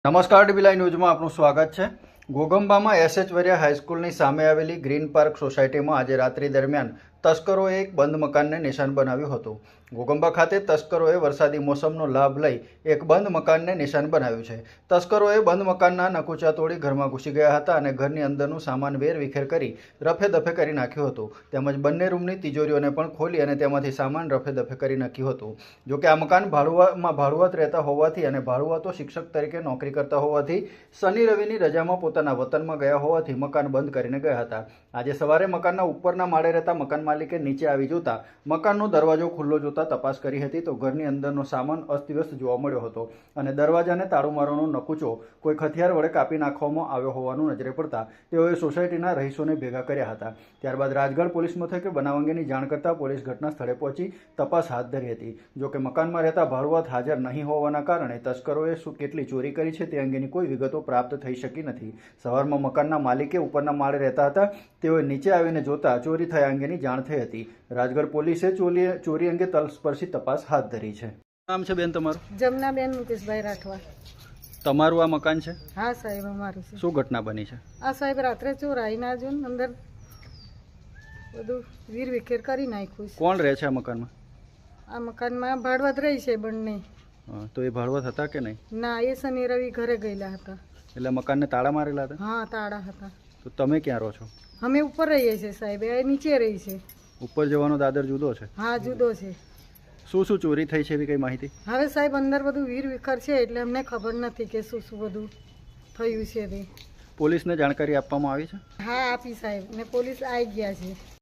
નમસ્કાર dB live ન્યૂઝમાં આપનું સ્વાગત છે। ઘોગંબામાં એસએચ વરિયા હાઈસ્કૂલની સામે આવેલી ગ્રીન પાર્ક સોસાયટીમાં આજે રાત્રિ દરમિયાન તસ્કરોએ એક બંધ મકાનને નિશાન બનાવ્યું હતું। ઘોગંબા ખાતે તસ્કરોએ વરસાદી મોસમનો લાભ લઈ એક બંધ મકાનને નિશાન બનાવ્યું છે। તસ્કરોએ બંધ મકાનના નકુચા તોડી ઘરમાં ઘૂસી ગયા હતા અને ઘરની અંદરનું સામાન વેરવિખેર કરી રફે દફે કરી નાખ્યું હતું। તેમજ બંને રૂમની તિજોરીઓને પણ ખોલી અને તેમાંથી સામાન રફે દફે કરી નાખ્યું હતું। જોકે આ મકાન ભાડુઆત રહેતા હોવાથી અને ભાડુઆતો શિક્ષક તરીકે નોકરી કરતા હોવાથી શનિ રવિની રજામાં પોતાના વતનમાં ગયા હોવાથી મકાન બંધ કરીને ગયા હતા। આજે સવારે મકાનના ઉપરના માળે રહેતા મકાન માલિકે નીચે આવી જોતા મકાનનો દરવાજો ખુલ્લો જોતા તપાસ કરી હતી તો ઘરની અંદરનો સામાન અસ્તવ્યસ્ત જોવા મળ્યો હતો અને દરવાજાને તાળું મારવાનો નકુચો કોઈ હથિયાર વડે કાપી નાખવામાં આવ્યો હોવાનું નજરે પડતા તેઓએ સોસાયટીના રહીશોને ભેગા કર્યા હતા। ત્યારબાદ રાજગઢ પોલીસ મથકે બનાવ અંગેની જાણ કરતા પોલીસ ઘટના સ્થળે પહોંચી તપાસ હાથ ધરી હતી। જોકે મકાનમાં રહેતા ભાડુઆત હાજર નહીં હોવાના કારણે તસ્કરોએ કેટલી ચોરી કરી છે તે અંગેની કોઈ વિગતો પ્રાપ્ત થઈ શકી નથી। સવારમાં મકાનના માલિકે ઉપરના માળે રહેતા હતા, તેઓએ નીચે આવીને જોતા ચોરી થયા અંગેની જાણ થઈ હતી। રાજગઢ પોલીસે ચોરી અંગે તલસ્પર્શી તપાસ હાથ ધરી છે। નામ છે બેન તમારું? જમનાબેન મુકેશભાઈ રાઠવા। તમારું આ મકાન છે? હા સાહેબ, અમારું છે। શું ઘટના બની છે? આ સાહેબ રાત્રે ચોરાઈ ના જો અંદર બધું વીર વિખેર કરી નાખ્યું છે। કોણ રહે છે આ મકાનમાં? આ મકાનમાં ભાડવત રહી છે બંને। તો એ ભાડવત હતા કે નહીં? ના, એ શનિ રવિ ઘરે ગયેલા હતા। એટલે મકાનને તાળા મારેલા હતા? હા, તાળા હતા। તો તમે ક્યાં રહો છો? અમે ઉપર રહીએ છીએ સાહેબ, એ નીચે રહી છે। ઉપર જવાનો દાદર જુદો છે? હા, જુદો છે। શું શું ચોરી થઈ છે એવી કઈ માહિતી? હવે સાહેબ અંદર બધું વીર વિખર છે એટલે અમને ખબર નથી કે શું શું બધું થયું છે તે। પોલીસને જાણકારી આપવામાં આવી છે? હા, આપી સાહેબ, ને પોલીસ આવી ગયા છે।